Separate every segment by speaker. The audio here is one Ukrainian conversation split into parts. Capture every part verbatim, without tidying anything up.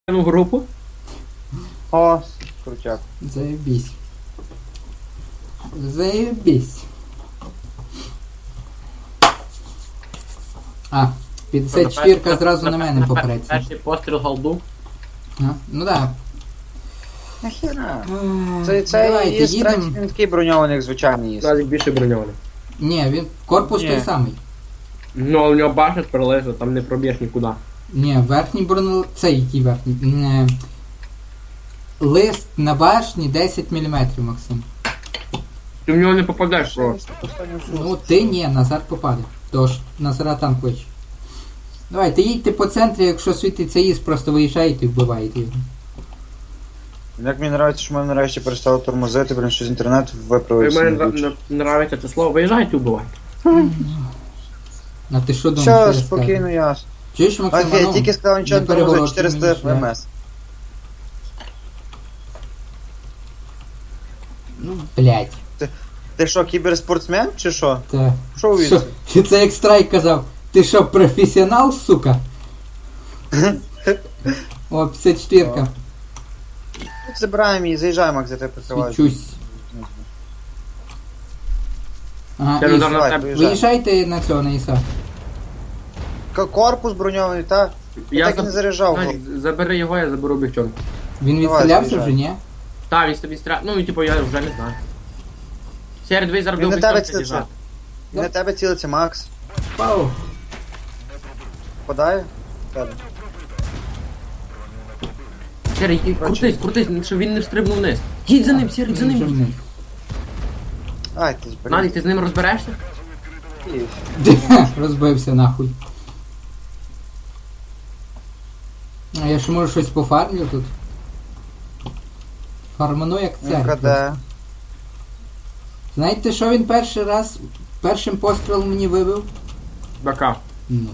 Speaker 1: в групу.
Speaker 2: О, крутяк.
Speaker 3: Заебись. Заебись. А, п'ятдесят четвірка зразу на мене попреться.
Speaker 1: Перший постріл голду.
Speaker 3: А, ну да.
Speaker 2: Нахіра?
Speaker 3: Е,
Speaker 2: Це, це
Speaker 3: Давайте
Speaker 2: є
Speaker 3: їдемо.
Speaker 2: він такий броньований, як звичайний є.
Speaker 1: Назик більше броньований.
Speaker 3: Ні, він корпус
Speaker 2: Ні.
Speaker 3: той самий.
Speaker 1: Ну, а у нього башня пролежа, там не проб'єш нікуди.
Speaker 3: Ні, верхній бронел... Це який верхній? Не... Лист на башні десять міліметрів, Максим.
Speaker 1: Ти в нього не попадеш просто.
Speaker 3: Ну ти ні, Назар попаде. Тож Назара там кличе. Давайте їдьте по центрі, якщо світиться ІС, просто виїжджаєте і вбиваєте його.
Speaker 2: Як мені подобається, що ми нарешті перестали тормозити, блін, що з інтернету
Speaker 1: І
Speaker 2: виправився.
Speaker 1: мені нра- нравиться це слово. Виїжджайте убивайте.
Speaker 3: А ти що думаєш?
Speaker 2: Все,
Speaker 3: що я
Speaker 2: спокійно,
Speaker 3: скажу?
Speaker 2: ясно.
Speaker 3: Чуєш, Максим,
Speaker 2: Окей,
Speaker 3: ну,
Speaker 2: тільки сказав нічого
Speaker 3: не
Speaker 2: не тормозить,
Speaker 3: переворот
Speaker 2: чотириста
Speaker 3: мені,
Speaker 2: еф
Speaker 3: що я-
Speaker 2: ем ес.
Speaker 3: Ну, блядь.
Speaker 2: Ти що, кіберспортсмен чи що?
Speaker 3: Це...
Speaker 2: Що у
Speaker 3: Що?
Speaker 2: він?
Speaker 3: Це як Страйк казав. Ти що, професіонал, сука? О, п'ятдесят четвірка.
Speaker 2: Забираємо її, заїжджаємо, як за тебе прикриваєш.
Speaker 3: Свічусь. Ага,
Speaker 1: Це
Speaker 3: Іс,
Speaker 1: удар на
Speaker 2: давай,
Speaker 1: тебе.
Speaker 2: виїжджай.
Speaker 3: виїжджайте на цього, на Іса.
Speaker 2: К- Корпус броньований, та? Я так і не
Speaker 1: заб-
Speaker 2: заряджав.
Speaker 1: Назик, забери його, я заберу бігчонку.
Speaker 3: Він
Speaker 2: Давай,
Speaker 3: відстрілявся вже,
Speaker 2: заїжджай.
Speaker 3: ні?
Speaker 1: Так, він тобі стріляє. Ну, і типу, я вже не знаю. Серед ви зараз
Speaker 2: Він
Speaker 1: до
Speaker 2: на тебе
Speaker 1: бігчонки
Speaker 2: цілиться.
Speaker 1: з'їжджати.
Speaker 2: І на тебе цілиться Макс.
Speaker 3: Пау.
Speaker 2: Попадає? Тебе.
Speaker 1: Серий, і крутись, крутись, щоб він не встрибнув вниз. Їдь за ним, Серий, за
Speaker 3: Він вже
Speaker 1: ним.
Speaker 3: вниз.
Speaker 2: Ай, ти ж
Speaker 1: Назик, ти з ним розберешся?
Speaker 3: Розбився нахуй. А я ще можу щось пофармлю тут. Фарману як
Speaker 2: Він
Speaker 3: цар.
Speaker 2: краде.
Speaker 3: Знаєте, що він перший раз, першим пострілом мені вибив?
Speaker 1: Бака.
Speaker 3: Ну.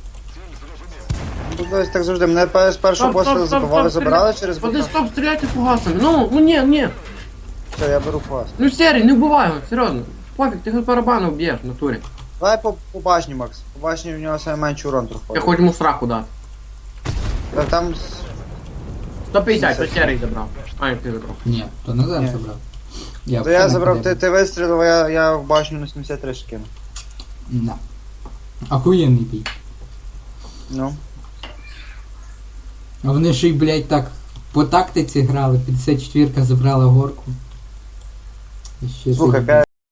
Speaker 2: Ну, десь так завжди. Мене пе- з першого пострілу забивали, забирали через
Speaker 1: Ходи,
Speaker 2: бока.
Speaker 1: стоп, стріляйте фугасами. Ну, ну ні, ні.
Speaker 2: Все, я беру фас.
Speaker 1: Ну, Серий, не вбивай його, серйозно. Пофіг, ти його барабану вб'єш в натурі.
Speaker 2: Давай по, по башні, Макс. По башні в нього саме менший урон
Speaker 1: Я
Speaker 2: проходить.
Speaker 1: хоч йому сраку дати.
Speaker 2: Та Там... з-
Speaker 1: сто п'ятдесят, то Серий забрав. А, як ти забрав.
Speaker 3: Ні, то Назар
Speaker 2: Ні.
Speaker 3: забрав.
Speaker 2: То я
Speaker 3: взагалі
Speaker 2: забрав,
Speaker 3: не
Speaker 2: ти, ти вистрілив, а я, я в башню на сімдесят три скинув.
Speaker 3: Да. Охуєнний бій.
Speaker 2: Ну.
Speaker 3: А вони ж і, блядь, так по тактиці грали, п'ятдесят четвірка забрала горку. І ще
Speaker 2: Слухай,
Speaker 3: заїбали.